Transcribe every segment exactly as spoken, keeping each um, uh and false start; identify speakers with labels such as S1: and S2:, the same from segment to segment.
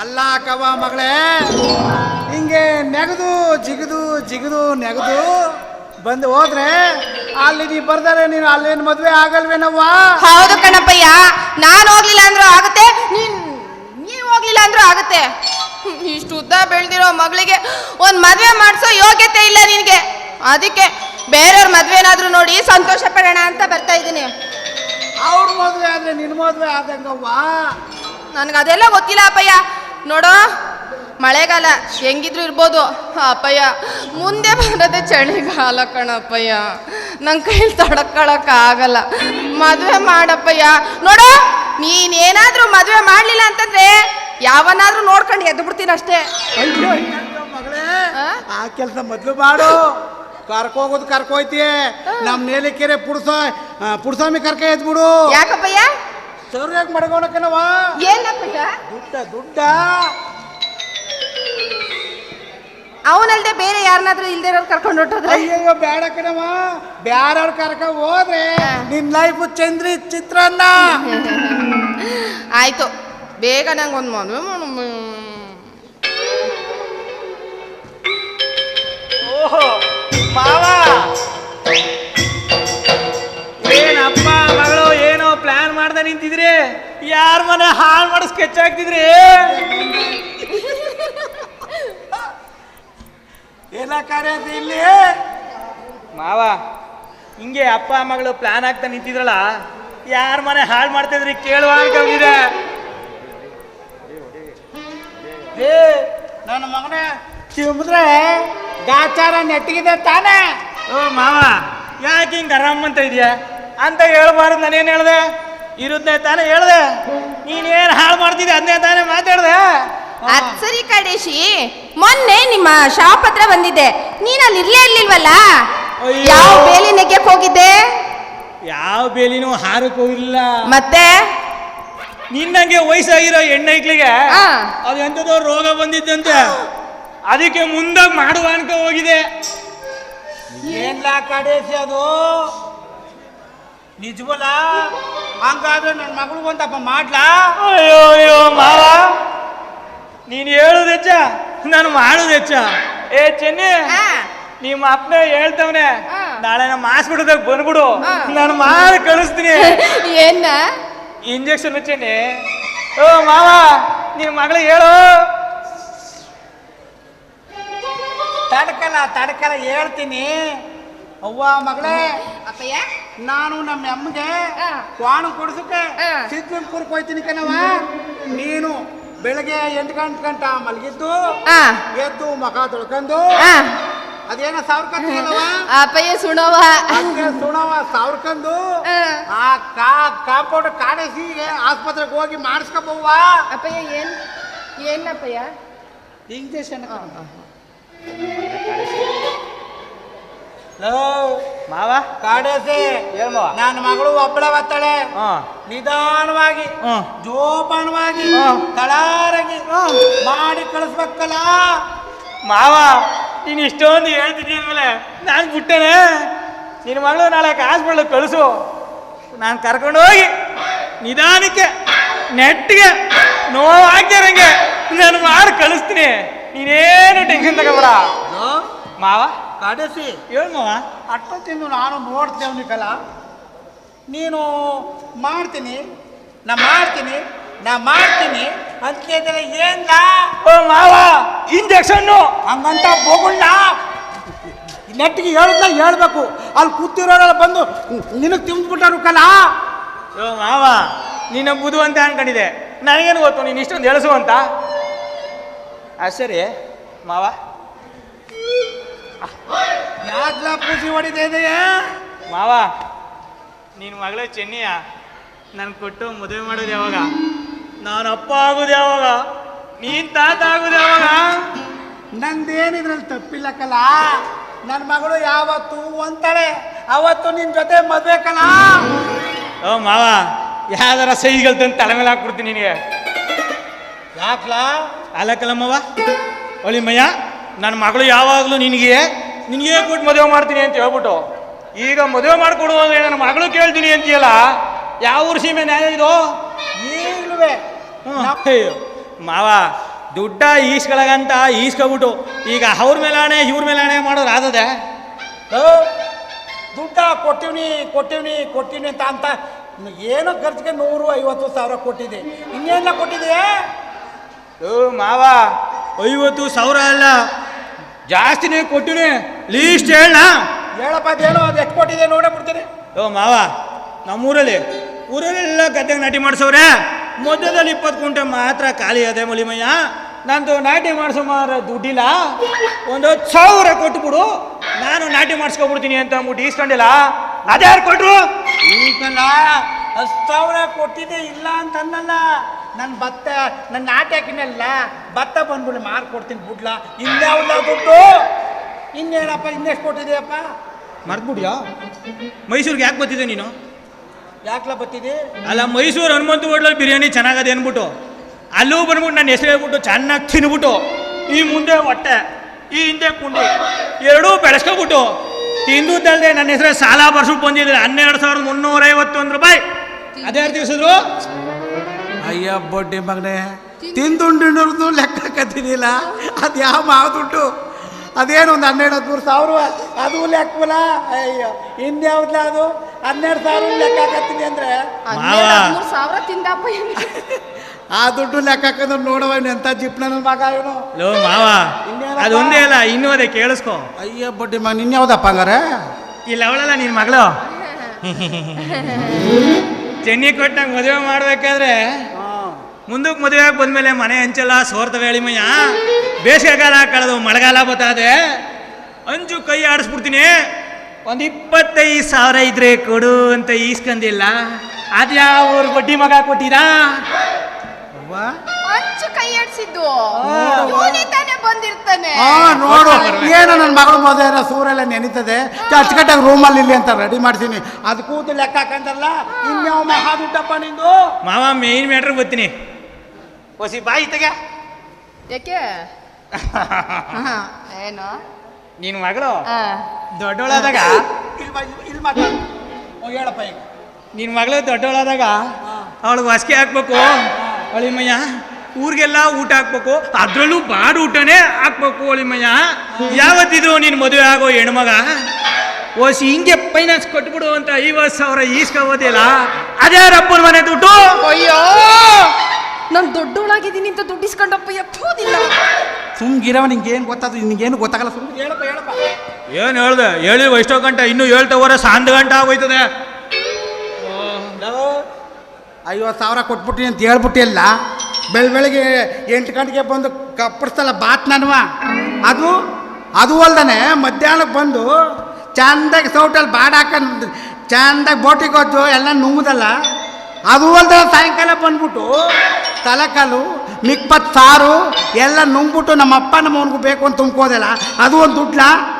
S1: ಅಲ್ಲ ಕವ ಮಗಳೇ, ಹಿಂಗೆ ನೆಗದು ಜಿಗಿದು ಜಿಗಿದು ನೆಗದು ಬಂದು ಹೋದ್ರೆ ಅಲ್ಲಿ ನೀ ಬರ್ದಾರೆ ನೀನು ಅಲ್ಲೇನು ಮದ್ವೆ ಆಗಲ್ವೇನವ್ವ?
S2: ಹೌದು ಕಣಪ್ಪಯ್ಯ, ನಾನು ಹೋಗ್ಲಿಲ್ಲ ಅಂದ್ರೂ ಆಗುತ್ತೆ, ನೀನ್ ನೀವ್ ಹೋಗ್ಲಿಲ್ಲ ಅಂದ್ರೂ ಆಗುತ್ತೆ. ಇಷ್ಟು ಉದ್ದ ಬೆಳ್ದಿರೋ ಮಗಳಿಗೆ ಒಂದ್ ಮದ್ವೆ ಮಾಡಿಸೋ ಯೋಗ್ಯತೆ ಇಲ್ಲ ನಿನ್ಗೆ. ಅದಕ್ಕೆ ಬೇರೆಯವ್ರ ಮದ್ವೆ ಏನಾದ್ರೂ ನೋಡಿ ಸಂತೋಷ ಪಡೋಣ ಅಂತ ಬರ್ತಾ ಇದ್ದೀನಿ.
S1: ಅವ್ರ ಮದ್ವೆ ಆದ್ರೆ ನಿನ್ ಮದ್ವೆ ಆದಂಗವ್ವ.
S2: ನನ್ಗೆ ಅದೆಲ್ಲ ಗೊತ್ತಿಲ್ಲ ಅಪ್ಪಯ್ಯ. ನೋಡೋ, ಮಳೆಗಾಲ ಹೆಂಗಿದ್ರು ಇರ್ಬೋದು ಅಪ್ಪಯ್ಯ, ಮುಂದೆ ಬರೋದೇ ಚಳಿಗಾಲ ಕಣಪ್ಪಯ್ಯ. ನನ್ನ ಕೈಲಿ ತಡ್ಕೊಳಕ್ ಆಗಲ್ಲ. ಮದುವೆ ಮಾಡಪ್ಪಯ್ಯ. ನೋಡೋ, ನೀನೇನಾದ್ರೂ ಮದುವೆ ಮಾಡಲಿಲ್ಲ ಅಂತಂದ್ರೆ ಯಾವನಾದ್ರೂ ನೋಡ್ಕೊಂಡು ಎದ್ದು ಬಿಡ್ತೀನಿ ಅಷ್ಟೇ.
S1: ಅಯ್ಯೋ ಮಗಳೇ, ಆ ಕೆಲಸ ಮೊದ್ಲು ಮಾಡು. ಕರ್ಕೋಗೋದು ಕರ್ಕೋಯ್ತೀಯ. ನಮ್ ನೇಲಿಕೆರೆ ಪುಡ್ಸ ಪುಡ್ಸಾಮಿ ಕರ್ಕ ಎದ್ಬಿಡು.
S2: ಯಾಕಪ್ಪಯ್ಯ?
S1: ಸರಿಯಾಗಿ ಮಡಗೋಣಕ್ಕನವ.
S2: ಏನಪ್ಪಯ್ಯ?
S1: ದುಡ್ಡ ದುಡ್ಡ
S2: ಅವನಲ್ದೆ ಬೇರೆ ಯಾರನ್ನಾದ್ರೂ ಇಲ್ದೇ ಇರೋರು ಕರ್ಕೊಂಡು ಹೊಟ್ಟೋದ್ರೆ?
S1: ಅಯ್ಯಯ್ಯೋ ಬೇಡ ಕಣವ, ಬ್ಯಾರವ್ರ ಕರ್ಕ ಹೋದ್ರೆ ನಿನ್ ಲೈಫ್ ಚಂದ್ರಿ ಚಿತ್ರಾನ್ನ.
S2: ಆಯ್ತು, ಬೇಗ ನಂಗೆ ಒಂದು ಮದುವೆ ಮಾಡು.
S3: ಓಹೋ ಮಾವ, ಏನಪ್ಪ ಮಗಳು ಏನೋ ಪ್ಲಾನ್ ಮಾಡ್ದೆ ನಿಂತಿದ್ರಿ? ಯಾರ ಮನೆ ಹಾಳು ಮಾಡಿ ಸ್ಕೆಚ್ ಹಾಕ್ತಿದ್ರಿ?
S1: ಏನ ಕಾರ್ಯ ಇಲ್ಲಿ
S3: ಮಾವ, ಹಿಂಗೆ ಅಪ್ಪ ಮಗಳು ಪ್ಲಾನ್ ಆಗ್ತಾ ನಿಂತಿದ್ರಲ್ಲ, ಯಾರ ಮನೆ ಹಾಳು ಮಾಡ್ತಿದ್ರಿ ಕೇಳುವ ಅನ್ಕೊಂಡಿದೆ.
S1: ಏ ನನ್ನ ಮಗನ ಚಿಮ್ದ್ರೆ ಗಾಚಾರ ನೆಟ್ಟಿಗಿದೆ ತಾನೇ.
S3: ಓ ಮಾವ, ಯಾಕೆ ಹಿಂಗೆ ಆರಾಮ್ ಅಂತ ಇದೆಯಾ ಅಂತ ಹೇಳ್ಬಾರ್ದು. ನಾನೇನು ಹೇಳ್ದೆ? ಇರುದ್ನೇ ತಾನೇ ಹೇಳ್ದೆ. ನೀನೇನು ಹಾಳು ಮಾಡ್ತಿದ್ದೆ ಅದನ್ನೇ ತಾನೇ ಮಾತಾಡ್ದೆ.
S2: ಅದ್ ಸರಿ ಕಡೇಶಿ, ಮೊನ್ನೆ ನಿಮ್ಮ ಶಾಪ್ ಹತ್ರ ಬಂದಿದ್ದೆ, ನೀನ್ ಅಲ್ಲಿ ಇರ್ಲೇ ಇರ್ಲಿಲ್ವಲ್ಲ? ಯಾವ ಬೇಲಿ ನೆಗ್ಯಕ್ ಹೋಗಿದ್ದೆ?
S3: ಯಾವ ಬೇಲಿನೂ ಹಾರಕ್ಕೆ ಹೋಗಿಲ್ಲ.
S2: ಮತ್ತೆ
S3: ನಿನ್ನಂಗೆ ವಯಸ್ಸಾಗಿರೋ ಹೆಣ್ಣೈಕ್ಳಿಗೆ ಅದು ಎಂಥದೋ ರೋಗ ಬಂದಿದ್ದಂತೆ, ಅದಕ್ಕೆ ಮುಂದಾಗಿ ಮಾಡುವ ಅನ್ಕ ಹೋಗಿದೆ.
S1: ಏನ್ಲ ಕಡೇಸಿ ಅದು ನಿಜವಲ್ಲ? ಹಂಗಾದ್ರೆ ನನ್ನ ಮಗಳು ಒಂದಪ್ಪ ಮಾಡ್ಲಾ?
S3: ಅಯ್ಯೋ ಅಯ್ಯೋ ಮಾವ, ನೀನು ಹೇಳುದು ಹೆಚ್ಚ, ನಾನು ಮಾಡುದು ಹೆಚ್ಚ. ಏ ಚೆನ್ನಿ, ನಿಮ್ಮ ಅಪ್ಪನೇ ಹೇಳ್ತವನೆ, ನಾಳೆ ನಮ್ಮ ಹಾಸ್ಪಿಟಲ್ದಾಗ ಬಂದ್ಬಿಡು, ನಾನು ಮಾಡಿ ಕಳಿಸ್ತೀನಿ.
S2: ಏನ
S3: ಇಂಜೆಕ್ಷನ್ ಚೆನ್ನಿ. ಓ ಮಾವ, ನಿನ್ನ ಮಗಳಿಗೆ ಹೇಳು.
S1: ತಡ್ಕಲ್ಲ ತಡ್ಕಲ್ಲ ಹೇಳ್ತೀನಿ. ಅವ್ವ ಮಗಳೇ,
S2: ಅಪ್ಪಯ್ಯ,
S1: ನಾನು ನಮ್ಮ ಅಮ್ಮಗೆ ಕ್ವಾಣ ಕೊಡ್ಸಕ್ಕೆ ಸಿದ್ಧಪುರಕ್ಕೆ ಹೋಯ್ತೀನಿ ಕಣವ. ನೀನು ಬೆಳಗ್ಗೆ ಎಂಟು ಗಂಟೆ ಗಂಟ ಮಲಗಿದ್ದು ಎದ್ದು ಮಖ ತೊಳ್ಕೊಂಡು ಅದೇನ ಸಾವ್ರಕಂತೀಯಲ್ಲವ
S2: ಅಪ್ಪಯ್ಯ ಸುಣವ
S1: ಸುಣವ ಸಾವ್ರಕಂದು ಆ ಕಾ ಕಾಂಪೌಂಡ್ ಕಾಣಿಸಿ ಆಸ್ಪತ್ರೆಗೆ ಹೋಗಿ ಮಾಡಿಸ್ಕೊಬವ್ವ.
S2: ಅಪ್ಪಯ್ಯ ಏನ್ ಏನಪ್ಪಯ್ಯ?
S1: ಇಂಜೆಕ್ಷನ್
S3: ಮಾವ
S1: ಕಾಡೇಸಿ, ನನ್ನ ಮಗಳು ಒಬ್ಬಳೆ ಬರ್ತಾಳೆ. ನಿಧಾನವಾಗಿ ಜೋಪಾನವಾಗಿ ತಳಾರಾಗಿ ಮಾಡಿ ಕಳಿಸ್ಬೇಕಲ್ಲ.
S3: ಮಾವ, ನೀನು ಇಷ್ಟೊಂದು ಹೇಳ್ತಿದ್ದೀಯ ಮೇಲೆ ನಾನು ಬಿಟ್ಟೇನೆ. ನಿನ್ನ ಮಗಳು ನಾಳೆ ಹಾಸ್ಪಿಟ್ಲಿಗೆ ಕಳಿಸು, ನಾನು ಕರ್ಕೊಂಡು ಹೋಗಿ ನಿಧಾನಕ್ಕೆ ನೆಟ್ಟಿಗೆ ನೋವಾಗ್ತಿರಂಗೆ ನಾನು ಮಾಡಿ ಕಳಿಸ್ತೀನಿ. ನೀನೇನು ಟೆನ್ಷನ್ ತಗೋಬೇಡ ಮಾವ.
S1: ಕಾಡೇಸಿ
S3: ಹೇಳು ಮಾವ.
S1: ಅಷ್ಟೊತ್ತಿಂದು ನಾನು ನೋಡ್ತೇವನಿಕಲ್ಲ, ನೀನು ಮಾಡ್ತೀನಿ ನಾ ಮಾಡ್ತೀನಿ ನಾ ಮಾಡ್ತೀನಿ ಅಂತಿದ್ರೆ ಏನ್ಲ?
S3: ಓ ಮಾವ, ಇಂಜೆಕ್ಷನ್ನು
S1: ಹಂಗಂತ ಹೋಗುಣ್ಣ. ನೆಟ್ಟಿಗೆ ಹೇಳಿದ್ನ ಹೇಳ್ಬೇಕು. ಅಲ್ಲಿ ಕೂತಿರೋರೆಲ್ಲ ಬಂದು ನಿನಗೆ ತಿಂದ್ಬಿಟ್ಟಾರು ಕಲ.
S3: ಓ ಮಾವ, ನೀನು ಬುದು ಅಂತ ಅನ್ಕೊಂಡಿದ್ದೆ, ನನಗೇನು ಗೊತ್ತು ನೀನು ಇಷ್ಟೊಂದು ಎಳಸು ಅಂತ. ಆ ಸರಿ ಮಾವ,
S1: ಯಾಕ್ಲ ಖುಷಿ ಹೊಡಿತಾ ಇದೆಯಾ
S3: ಮಾವ? ನಿನ್ನ ಮಗಳೇ ಚೆನ್ನಿಯ ನಾನು ಕೊಟ್ಟು ಮದುವೆ ಮಾಡೋದು ಯಾವಾಗ? ನಾನು ಅಪ್ಪ ಆಗೋದು ಯಾವಾಗ? ನೀನ್ ತಾತ ಆಗೋದು ಯಾವಾಗ?
S1: ನಂದೇನಿದ್ರಲ್ಲಿ ತಪ್ಪಿಲ್ಲ ಕಲ. ನನ್ನ ಮಗಳು ಯಾವತ್ತು ಒಂತಾಳೆ ಅವತ್ತು ನಿನ್ ಜೊತೆ ಮದ್ವೆ ಕಲ.
S3: ಓ ಮಾವ, ಯಾವ್ದಾರ ಸಹಿಗಳು ತಂದು ತಲೆ ಮೇಲೆ ಹಾಕ್ಬಿಡ್ತೀನಿ ನಿನಗೆ.
S1: ಯಾಕ್ಲ?
S3: ಅಲ್ಲಕ್ಕಲ್ಲಮ್ಮವ, ಒಳಿಮಯ್ಯ, ನನ್ನ ಮಗಳು ಯಾವಾಗಲೂ ನಿನಗೆ ನಿನಗೆ ಕೊಟ್ಟು ಮದುವೆ ಮಾಡ್ತೀನಿ ಅಂತ ಹೇಳ್ಬಿಟ್ಟು ಈಗ ಮದುವೆ ಮಾಡಿಕೊಡುವಾಗ ನನ್ನ ಮಗಳು ಕೇಳ್ತೀನಿ ಅಂತೀಯಲ್ಲ, ಯಾವ ಊರು ಸೀಮೆ ನ್ಯಾಯ ಇದು?
S1: ಈಗಲೂ
S3: ಮಾವ, ದುಡ್ಡ ಈಸ್ಕೊಳಗಂತ ಈಸ್ಕೊಬಿಟ್ಟು ಈಗ ಅವ್ರ ಮೇಲಾಣೆ ಇವ್ರ ಮೇಲಾಣೆ ಮಾಡೋರು ಆದದೆ.
S1: ದುಡ್ಡ ಕೊಟ್ಟಿವ್ನಿ ಕೊಟ್ಟಿವ್ನಿ ಕೊಟ್ಟಿವ್ನಿ ಅಂತ ಅಂತ ಏನೋ ಖರ್ಚಿಗೆ ನೂರು ಐವತ್ತು ಸಾವಿರ ಕೊಟ್ಟಿದೆ, ಇನ್ನೇನ ಕೊಟ್ಟಿದೆ?
S3: ಓ ಮಾವ, ಐವತ್ತು ಸಾವಿರ ಅಲ್ಲ, ಜಾಸ್ತಿನೇ ಕೊಟ್ಟಿನಿ. ಲೀಸ್ಟ್ ಹೇಳ
S1: ಹೇಳಪ್ಪ, ಅದೇನೋ ಅದು ಎಷ್ಟು ಕೊಟ್ಟಿದೆ ನೋಡೇ ಬಿಡ್ತೀನಿ.
S3: ಓ ಮಾವ, ನಮ್ಮೂರಲ್ಲಿ ಊರಲ್ಲೆಲ್ಲ ಗದ್ದೆಗೆ ನಾಟಿ ಮಾಡಿಸವ್ರೆ. ಮಧ್ಯದಲ್ಲಿ ಇಪ್ಪತ್ತು ಕುಂಟೆ ಮಾತ್ರ ಖಾಲಿ ಅದೇ ಮಲಿಮಯ್ಯ. ನಂದು ನಾಟಿ ಮಾಡಿಸೋ ಮಾರ ದುಡ್ಡಿಲ್ಲ, ಒಂದು ಹತ್ತು ಸಾವಿರ ಕೊಟ್ಬಿಡು, ನಾನು ನಾಟಿ ಮಾಡಿಸ್ಕೊಬಿಡ್ತೀನಿ ಅಂತ ಅಂದ್ಬಿಟ್ಟು ಈಸ್ಕೊಂಡಿಲ್ಲ. ಅದ್ಯಾರು ಕೊಟ್ರು?
S1: ಈಗಲ್ಲ ಹತ್ತು ಸಾವಿರ ಕೊಟ್ಟಿದೆ ಇಲ್ಲ ಅಂತಂದಲ್ಲ. ನನ್ನ ಭತ್ತ ನನ್ನ ನಾಟಿ ಹಾಕಿನಲ್ಲ, ಭತ್ತ ಬಂದ್ಬಿಡಿ ಮಾರು ಕೊಡ್ತೀನಿ ಬಿಡ್ಲ. ಇನ್ಯಾವುದ ದುಡ್ಡು? ಇನ್ನೇನಪ್ಪ, ಇನ್ನೆಷ್ಟು ಕೊಟ್ಟಿದೆಯಪ್ಪ?
S3: ಮರ್ತ್ಬಿಡ್ಯಾ? ಮೈಸೂರಿಗೆ ಯಾಕೆ ಬರ್ತಿದ್ದೆ ನೀನು?
S1: ಯಾಕ್ಲ ಬತ್ತಿದೆ?
S3: ಅಲ್ಲ, ಮೈಸೂರು ಹನುಮಂತ ಹೋಟ್ಲಲ್ಲಿ ಬಿರಿಯಾನಿ ಚೆನ್ನಾಗದೆ ಅಂದ್ಬಿಟ್ಟು ಅಲ್ಲೂ ಬಂದ್ಬಿಟ್ಟು ನನ್ನ ಹೆಸರು ಹೇಳ್ಬಿಟ್ಟು ಚೆನ್ನಾಗಿ ತಿನ್ಬಿಟ್ಟು ಈ ಮುಂದೆ ಹೊಟ್ಟೆ ಈ ಹಿಂದೆ ಕುಂಡಿ ಎರಡೂ ಬೆಳೆಸ್ಕೊಬಿಟ್ಟು ತಿಂದುದಲ್ಲದೆ ನನ್ನ ಹೆಸರೇ ಸಾಲ ಬರ್ಸ್ಬಿಟ್ಟು ಬಂದಿದ್ರೆ ಹನ್ನೆರಡು ಸಾವಿರದ ಮುನ್ನೂರೈವತ್ತೊಂದು ರೂಪಾಯಿ. ಅದೇ ತಿಳಿಸಿದ್ರು.
S1: ಅಯ್ಯ ಬಡ್ಡಿ ಮಗನೇ, ತಿಂದುಂಡಿನವ್ರದ್ದು ಲೆಕ್ಕ ಕತ್ತಿದಿಲ್ಲ. ಅದು ಯಾವ ಮಾವು ದುಡ್ಡು? ಅದೇನು ಒಂದು ಹನ್ನೆರಡು ಹದಿಮೂರು ಸಾವಿರ, ಅದು ಲೆಕ್ಕವಲ್ಲ. ಅಯ್ಯೋ, ಇನ್ಯಾವ್ದಲ್ಲ ಅದು? ಹನ್ನೆರಡು ಸಾವಿರ ಲೆಕ್ಕ ಹಾಕತ್ತೀನಿ ಅಂದ್ರೆ
S2: ಸಾವಿರ ತಿಂದಪ್ಪ.
S1: ಆ ದುಡ್ಡು ಲೆಕ್ಕ ಹಾಕಿದ್ರೆ ನೋಡವ ಎಂತ ಜಿಪ್ ನನ್ನ ಮಗ ಇವನು.
S3: ಲೋ ಮಾವ, ಅದೊಂದೇ ಅಲ್ಲ, ಇನ್ನೂ ಅದೇ ಕೇಳಿಸ್ಕೊ.
S1: ಅಯ್ಯ ಬಡ್ಡಿ ಮಗ, ನಿನ್ಯಾವ್ದಪ್ಪ ಹಂಗಾರೆ?
S3: ಇಲ್ಲ ಅವಳಲ್ಲ ನಿನ್ ಮಗಳು. ಚೆನ್ನಿ ಕೊಟ್ಟಂಗೆ ಮದುವೆ ಮಾಡ್ಬೇಕಾದ್ರೆ ಮುಂದಕ್ಕೆ ಮದುವೆ ಬಂದ್ಮೇಲೆ ಮನೆ ಹಂಚಲ್ಲ ಸೋರ್ತವೆ ಎಳಿಮಯ್ಯ. ಬೇಸಿಗೆಗಾಲ ಕಳೆದು ಮಳೆಗಾಲ ಬತ್ತದೆ, ಅಂಜು ಕೈ ಆಡಿಸ್ಬಿಡ್ತೀನಿ. ಒಂದು ಇಪ್ಪತ್ತೈದು ಸಾವಿರ ಇದ್ರೆ ಕೊಡು ಅಂತ ಈಸ್ಕಂದಿಲ್ಲ. ಅದ್ಯಾವ ಊರು ಬಡ್ಡಿ ಮಗ ಕೊಟ್ಟಿರಾ?
S2: ಅಂಚು ಕೈ ಆಡ್ಸಿದ್ದು ತಾನೇ ಬಂದಿರ್ತಾನೆ.
S1: ನೋಡು, ಏನೋ ನನ್ನ ಮಗಳು ಮದುವೆ ಸೂರೆಲ್ಲ ನೆನೀತದೆ, ಅಚ್ಚುಕಟ್ಟಾಗಿ ರೂಮಲ್ಲಿ ಇಲ್ಲಿ ಅಂತ ರೆಡಿ ಮಾಡ್ತೀನಿ. ಅದು ಕೂತು ಲೆಕ್ಕ ಹಾಕಂತಲ್ಲ, ಇನ್ಯಾವ ಮಹಾ ದುಡ್ಡಪ್ಪ ನಿಂದು.
S3: ಮಾವ, ಮೇನ್ ಮ್ಯಾಟ್ರ್ ಬರ್ತೀನಿ. ಹೊಸಿ ಬಾಯಿ ತೆಗೆ.
S2: ಯಾಕೆ? ಏನು
S3: ನಿನ್ ಮಗಳು ದೊಡ್ಡವಳಾದಾಗ
S1: ಇಲ್ಲಿ ಮಾತಾಡು. ಹೇಳಪ್ಪ ಈಗ.
S3: ನಿನ್ ಮಗಳು ದೊಡ್ಡವಳಾದಾಗ ಅವಳಿಗೆ ಹೊಸಿಗೆ ಹಾಕ್ಬೇಕು ಅಳಿಮಯ್ಯ. ಊರಿಗೆಲ್ಲ ಊಟ ಹಾಕ್ಬೇಕು, ಅದ್ರಲ್ಲೂ ಬಾಡು ಊಟನೇ ಹಾಕ್ಬೇಕು ಅಳಿಮಯ್ಯ. ಯಾವತ್ತಿದ್ರು ನೀನು ಮದುವೆ ಆಗೋ ಹೆಣ್ಮಗ ಓಸಿ ಹಿಂಗೆ ಫೈನಾನ್ಸ್ ಕೊಟ್ಬಿಡು ಅಂತ ಐವತ್ತು ಸಾವಿರ ಈಸ್ಕೋಬೋದಿಲ್ಲ. ಅದ್ಯಾರಪ್ಪನ ಮನೆ ದುಡ್ಡು?
S2: ಅಯ್ಯೋ, ನಾನು ದೊಡ್ಡವಳಾಗಿದ್ದೀನಿ ಅಂತ ದುಡ್ಡು ಇಸ್ಕೊಂಡಪ್ಪ ಎಪ್ಪೋದಿಲ್ಲ.
S1: ಸುಮ್ಗಿರವ, ನಿಂಗೇನು ಗೊತ್ತಾದ್ರು? ನಿನಗೇನು ಗೊತ್ತಾಗಲ್ಲ, ಸುಮ್ಮನೆ ಹೇಳಪ್ಪ ಹೇಳಪ್ಪ.
S3: ಏನು ಹೇಳ್ದೆ? ಹೇಳಿ ಎಷ್ಟೋ ಗಂಟೆ, ಇನ್ನೂ ಹೇಳ್ತವರೆ ಸಾಂದ್ ಗಂಟೆ ಆಗೋಯ್ತದೆ.
S1: ಐವತ್ತು ಸಾವಿರ ಕೊಟ್ಬಿಟ್ಟಿನಿ ಅಂತ ಹೇಳ್ಬಿಟ್ಟಿಲ್ಲ. ಬೆಳ ಬೆಳಗ್ಗೆ ಎಂಟು ಗಂಟೆಗೆ ಬಂದು ಕಪ್ಪಡಿಸ್ತಲ್ಲ ಬಾತ್ ನನ್ವ. ಅದು ಅದು ಅಲ್ದಾನೆ ಮಧ್ಯಾಹ್ನಕ್ಕೆ ಬಂದು ಚಂದಾಗಿ ಸೌಟಲ್ಲಿ ಬಾಡ ಹಾಕೊಂಡು ಚಂದಾಗಿ ಬೋಟಿಗೆ ಹೋದ್ದು ಎಲ್ಲ ನುಂಗುದಲ್ಲ. ಅದು ಅಲ್ದ ಸಾಯಂಕಾಲ ಬಂದ್ಬಿಟ್ಟು ತಲೆಕಾಲು ಮಿಕ್ಪತ್ತು ಸಾರು ಎಲ್ಲ ನುಂಗ್ಬಿಟ್ಟು ನಮ್ಮ ಅಪ್ಪ ನಮ್ಮ ಅವನಿಗೂ ಬೇಕು ಅಂತ ತುಂಬ್ಕೋದಲ್ಲ. ಅದು ಒಂದು ದುಡ್ಲ?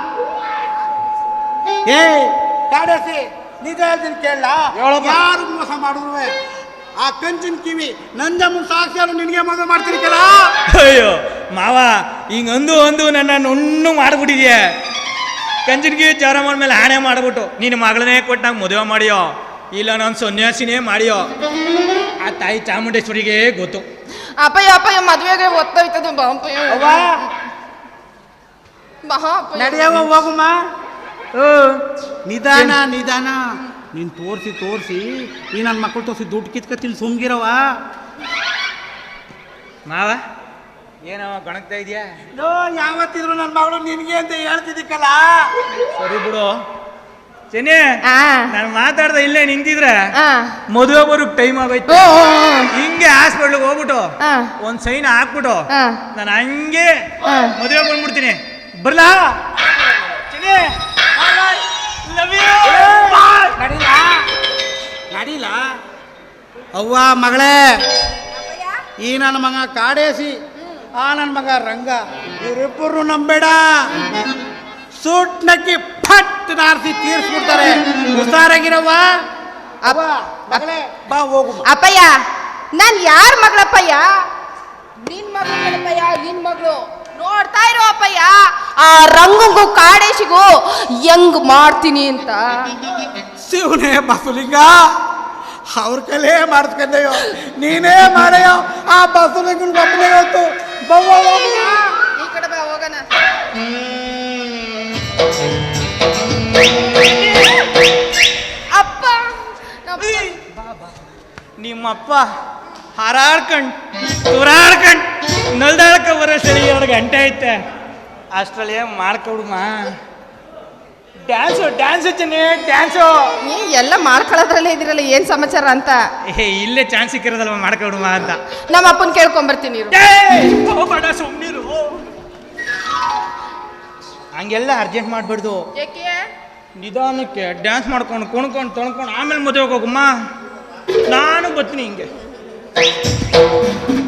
S1: ಏ ಕಾಡೇಸಿ, ನಿಜ ಹೇಳ್ತೀನಿ ಕೇಳ, ಯಾರು ಮೋಸ ಮಾಡಿದ್ರು ಆ ಕಂಚಿನ ಕಿವಿ ನಂಜಮ್ಮ ಸಾಕ್ಷಿಯಾರು ನಿನಗೆ ಮದುವೆ ಮಾಡ್ತೀನಿ ಕೇಳ.
S3: ಅಯ್ಯೋ ಮಾವ, ಹಿಂಗ ಅಂದು ಅಂದು ನನ್ನ ನುಣ್ಣು ಮಾಡ್ಬಿಟ್ಟಿದ್ಯ. ಕಂಚಿನ ಕಿವಿ ಚಾರ ಮಾಡ್ಮೇಲೆ ಹಾಣೆ ಮಾಡ್ಬಿಟ್ಟು ನಿನ್ನ ಮಗಳನ್ನೇ ಕೊಟ್ಟು ನಂಗೆ ಮದುವೆ ಮಾಡಿಯೋ, ಇಲ್ಲ ನಾನು ಸನ್ಯಾಸಿನೇ ಮಾಡಿಯೋ, ಆ ತಾಯಿ ಚಾಮುಂಡೇಶ್ವರಿಗೆ ಗೊತ್ತು.
S2: ಅಪ್ಪಯ್ಯ ಅಪ್ಪಯ್ಯ ಮದುವೆಗೆ ಒತ್ತೋಯ್ತದೆ ಬಾ ಅಪ್ಪಯ್ಯ. ಬಾ ಅಪ್ಪಯ್ಯ.
S1: ನಡೆಯವ ಹೋಗುಮ್ಮ. ನಿಧಾನ ನಿಧಾನ. ನೀನು ತೋರಿಸಿ ತೋರಿಸಿ ಈ ನನ್ನ ಮಕ್ಕಳು ತೋರಿಸಿ ದುಡ್ಡು ಕಿತ್ಕತ್ತಿಲ್ಲ, ಸುಮ್ಗಿರವ.
S3: ಮಾವ ಏನೋ ಗಣಕ್ತಾ ಇದೆಯಾ?
S1: ನೋ, ಯಾವತ್ತಿದ್ರು ನನ್ನ ಮಗಳು ನಿನಗೆ ಅಂತ ಹೇಳ್ತಿದ್ದಕ್ಕಲ್ಲ.
S3: ಸರಿ ಬಿಡು ಚೆನ್ನಿ, ನಾನು ಮಾತಾಡ್ದ ಇಲ್ಲೇ ನಿಂತಿದ್ರೆ ಮದುವೆ ಬರೋಕ್ ಟೈಮ್ ಆಗೋಯ್ತು. ಹಿಂಗೆ ಹಾಸ್ಪಿಟ್ಲಿಗೆ ಹೋಗ್ಬಿಟ್ಟು ಒಂದ್ ಸೈನ್ ಹಾಕ್ಬಿಟ್ಟು ನಾನು ಹಂಗೆ ಮದುವೆ ಬಂದ್ಬಿಡ್ತೀನಿ. ಬರ್ಲಾ ಚೆನ್ನಿ?
S1: ನಡೀಲ ನಡೀಲ ಅವ್ವ ಮಗಳೇ, ಈ ನನ್ನ ಮಗ ಕಾಡೇಸಿ, ಆ ನನ್ನ ಮಗ ರಂಗ, ಇವರಿಬ್ಬರು ನಂಬೇಡ. ಸೂಟ್ ನಕ್ಕಿ ಫಟ್ ನಾರ್ಸಿ ತೀರ್ಸ್ಬಿಡ್ತಾರೆ. ಹುಷಾರಾಗಿರವ್ವ.
S2: ಅಪ್ಪ
S1: ಮಗಳೇ ಬಾ ಹೋಗು.
S2: ಅಪ್ಪಯ್ಯ, ನಾನು ಯಾರ ಮಗಳಪ್ಪಯ್ಯ? ನಿನ್ ಮಗಳಪ್ಪಯ್ಯ, ನಿನ್ ಮಗಳು. ನೋಡ್ತಾ ಇರೋ ಅಪ್ಪಯ್ಯ, ಆ ರಂಗಂಗೂ ಕಾಡೇಶಿಗೂ ಹೆಂಗ್ ಮಾಡ್ತೀನಿ ಅಂತ.
S1: ಶಿವನೇ ಬಸಲಿಂಗ, ಅವ್ರ ಕೈಲೇ ಮಾಡಿಸ್ಕೊಂಡೆಯೋ, ನೀನೇ ಮಾಡಯ್ಯೋ. ಆ ಬಸಲಿಂಗನ ಒಬ್ಬನೇ ಹೊತ್ತು ಬವ್ವ ಹೋಗೋಣ.
S2: ಈ ಕಡೆ ಬಾ ಹೋಗೋಣ. ಅಪ್ಪ
S3: ನಿಮ್ಮಪ್ಪ ಹಾರಾಡ್ಕಂಡ್ ತುರಾಡ್ಕಂಡ್ ನಲ್ದಾಳ್ಕ ಬರೋಷ್ಟರಲ್ಲಿ ಎರಡು ಗಂಟೆ ಐತೆ. ಅಷ್ಟರಲ್ಲಿ ಮಾಡ್ಕೊಡುಮ. ಡ್ಯಾನ್ಸು ಡ್ಯಾನ್ಸು ಚೆನ್ನಿ ಡ್ಯಾನ್ಸು.
S2: ನೀ ಎಲ್ಲ ಮಾಡ್ಕೊಳ್ಳೋದ್ರಲ್ಲೇ ಇದಿರಲ್ಲ, ಏನ್ ಸಮಾಚಾರ ಅಂತ.
S3: ಏ ಇಲ್ಲೇ ಚಾನ್ಸ್ ಸಿಕ್ಕಿರೋದಲ್ವ ಮಾಡ್ಕೊಡುಮ ಅಂತ.
S2: ನಮ್ಮ ಅಪ್ಪನ ಕೇಳ್ಕೊಂಬರ್ತೀನಿ ಇರು.
S3: ಹೋಗ್ಬೇಡ ಸುಮ್ಮನಿರು. ಹಂಗೆಲ್ಲ ಅರ್ಜೆಂಟ್ ಮಾಡ್ಬಾರ್ದು.
S2: ಏಕೆ?
S3: ನಿಧಾನಕ್ಕೆ ಡ್ಯಾನ್ಸ್ ಮಾಡ್ಕೊಂಡು ಕುಣ್ಕೊಂಡು ತೊಳ್ಕೊಂಡು ಆಮೇಲೆ ಮದುವೆಗೆ ಹೋಗಮ್ಮ. ನಾನು ಬರ್ತೀನಿ ಹಿಂಗೆ.